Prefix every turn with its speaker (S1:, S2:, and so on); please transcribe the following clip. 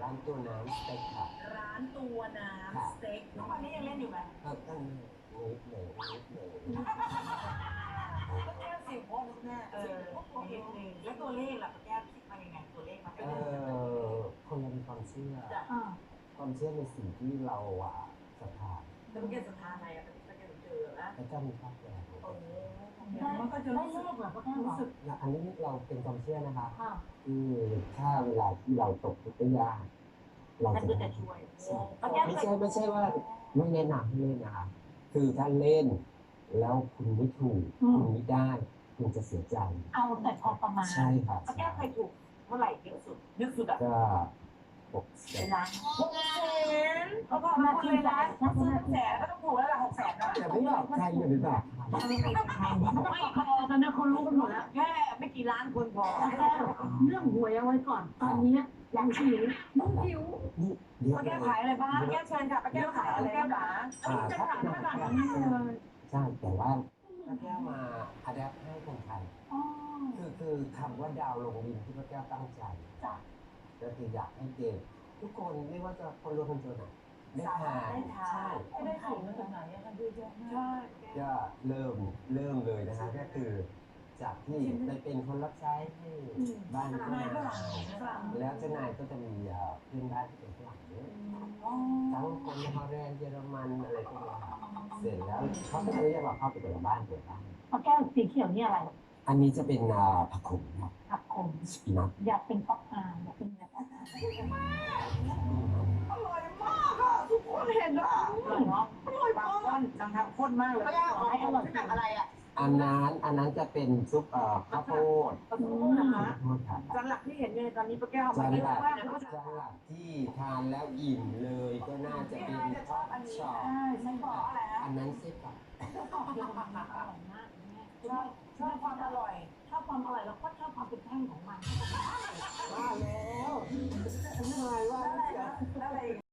S1: ร้านตัวน้ำสเต็กค่ะ
S2: ร้านตัวน้ำสเต็กทุกวันนี้ยังเล่นอยู่ไหม
S1: ตั้งนิดหนึ่ง
S2: ป้าแก้วสิบโมงแม่นิดนึงแล้วตัวเลขล่ะป้าแก้วคิดมายังไงตัวเลขมา
S1: คนเรามีความเชื่อในสิ่งที่เราศรัทธา
S2: แล้วป้าแก้วศรัทธาอะไรป้าแก้วเจอนะ
S1: พระเจ้ามีภาคแก่
S3: มันก็จะได้เลขแบบป้าแก้วรู้สึก
S1: อันนี้เราเป็นความเชื่อนะคะคือถ้าเวลาที่เราตกทุกข์ยากเราจะ
S2: ช่วย
S1: ไม่ใช่ว่าไม่แนะนำให้เล่นนะคะคือถ้าเล่นแล้วคุณไม่ถูกคุณไม่ได้คุณจะเสียใจ
S3: เอาแต่พอประมาณ
S1: ใช่ครับ
S2: ป้าแก้วเคยถูกเท่าไหร่เยอะสุดเยอะสุด
S1: ก็
S2: 600,000เขาบอกมาเลยนะถ้าซื้อ100,000ก็ต้องถูกแล้วล่ะ600,000
S1: แต่ไม่บอกใครอย่าไปบอก
S3: ไม่พอตอนนี้คนรู้กันหมดแล้ว
S2: แค่ไม่กี่ล้านคนพอ
S3: เรื่องหวยเอาไว้ก่อนตอนนี้ยังหิว
S2: ป้าแก้วขายอะไรบ้างป้าแก้วเชิญค่ะป้าแก้วขายอะไรบ้าง
S1: จะถามขนาดนี้เลยใช่แต่ว่าป้าแก้วมาอัดแอปให้คนไทยคือคำว่าดาวลงดินที่ป้าแก้วตั้งใจก็คืออยากให้เด็กทุกคนไม่ว่าจะคนรวยคนจนได้ทานใช่
S2: ได้ขายมาจากไหนกันเยอะแยะมาก
S1: ก็เริ่มเลยนะคะก็คือจากที่ไปเป็นคนรับใช้ให้บ้านเจ้านายแล้วเจ้านายก็จะมีเพื่อนบ้านที่เป็นฝรั่งเยอะทั้งคนฮอลแลนด์เยอรมันอะไรพวกนี้เสร็จแล้วเขาก็จะเรียกว่าเข้าไปแต่ละบ้านเปิดบ้าน
S3: ป้าแก้วสีเขียวนี่อะไร
S1: อันนี้จะเป็นผักขมครับ
S3: ผักขม
S1: สปินัช
S3: อยากเป็นป๊อปอายอยากเป็นแบบ
S2: อร่อยมากค่ะทุกคนเห็นอ่ะอร่อยเนาะอร่อยมากจังทำข้นมากเลย
S3: ให้อร่อย
S2: แบบอะไรอ่ะ
S1: อันนั้นจะเป็นซุปข้าวโพด
S2: นะคะจานหลักที่เห็นอยู่ตอนนี้ป้าแก้วมาเยอะมาก
S1: จานหลักที่ทานแล้วอิ่มเลยก็น่าจะเป็นทอดช็อปอันนั้นเส้นกรอบ
S2: ชอบความอร่อย
S3: แล้วก็ชอบความเป็นแท่งของมัน
S1: ว่าแล้วทำไมว่า